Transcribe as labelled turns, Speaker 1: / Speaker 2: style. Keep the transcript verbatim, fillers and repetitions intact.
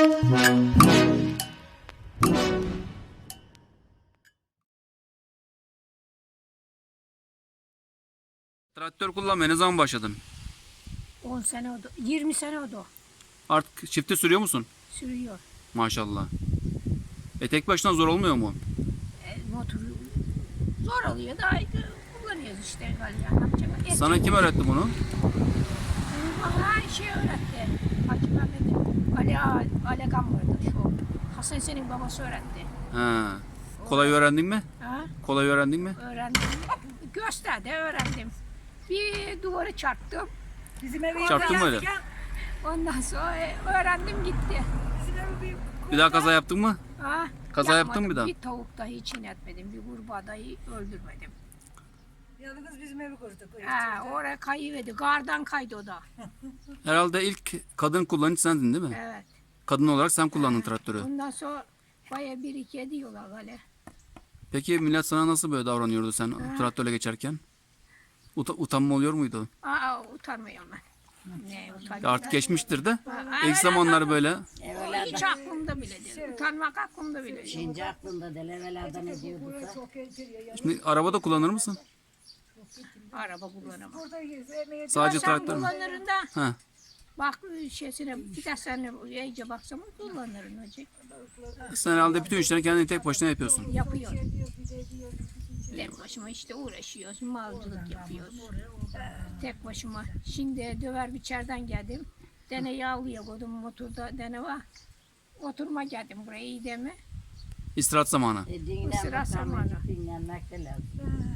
Speaker 1: Traktör kullanmaya ne zaman başladın?
Speaker 2: on sene oldu. yirmi sene oldu.
Speaker 1: Artık çifte sürüyor musun?
Speaker 2: Sürüyor.
Speaker 1: Maşallah. E tek başına zor olmuyor mu?
Speaker 2: E, motoru zor oluyor da kullanıyoruz işte galiba. Ne yapacak? Et
Speaker 1: Sana kim öğretti bunu?
Speaker 2: Bana her şey öğretti. Hacı Mehmet'in Ali, Ağa- Ali Agam vardı şu. Hasan senin babası öğretti.
Speaker 1: Ha. Kolay öğrendin mi?
Speaker 2: Ha?
Speaker 1: Kolay öğrendin mi?
Speaker 2: Öğrendim. Gösterdi öğrendim. Bir duvarı çarptım.
Speaker 3: Bizim eve
Speaker 1: Çarptın mı öyle?
Speaker 2: Ondan sonra e, öğrendim gitti.
Speaker 3: Bizim eve bir
Speaker 1: Bir daha kaza yaptın mı?
Speaker 2: Ha?
Speaker 1: Kaza yaptın
Speaker 2: Yapmadım.
Speaker 1: mı bir daha?
Speaker 2: Bir tavuk dahi çiğnetmedim. Bir kurbağa dahi öldürmedim.
Speaker 3: yalnız bizim evi kurduk.
Speaker 2: Ha, oraya kayıverdi. Gardan kaydı o da.
Speaker 1: Herhalde ilk kadın kullanıcı sendin değil mi?
Speaker 2: Evet.
Speaker 1: Kadın olarak sen kullandın traktörü.
Speaker 2: Ondan sonra baya bir iki ediyorlar gale.
Speaker 1: Peki millet sana nasıl böyle davranıyordu sen traktörle geçerken? Uta- utanma oluyor muydu?
Speaker 2: Aa, utanmıyorum ben. Ne
Speaker 1: Ya
Speaker 2: utanıyorum?
Speaker 1: artık geçmiştir de.
Speaker 2: Ha,
Speaker 1: İlk
Speaker 2: evet,
Speaker 1: zamanlar böyle.
Speaker 2: hiç aklımda bile değil. Utanmak aklımda bile değil.
Speaker 4: Şimdi aklında değil, evvelerde ne diyorduk da.
Speaker 1: Şimdi arabada kullanır mısın?
Speaker 2: Araba kullanamam.
Speaker 3: Burada yemeğe
Speaker 1: Sadece
Speaker 2: Sen
Speaker 1: traktör mü?
Speaker 2: kullanırın da
Speaker 1: Ha.
Speaker 2: bak şeysine bir de sen iyice baksam kullanırın hocam.
Speaker 1: Sen herhalde bütün işleri kendin tek başına yapıyorsun.
Speaker 2: Yapıyor. Tek başıma işte uğraşıyoruz, malcılık yapıyoruz. Tek başıma. Şimdi döver biçerden geldim. Dene yağlıya koydum motorda dene var. Oturma geldim buraya iyi de mi?
Speaker 1: İstirahat zamanı.
Speaker 4: E,
Speaker 2: Bu sıra
Speaker 4: dinlenmek,
Speaker 2: zamanı.
Speaker 4: dinlenmek de lazım.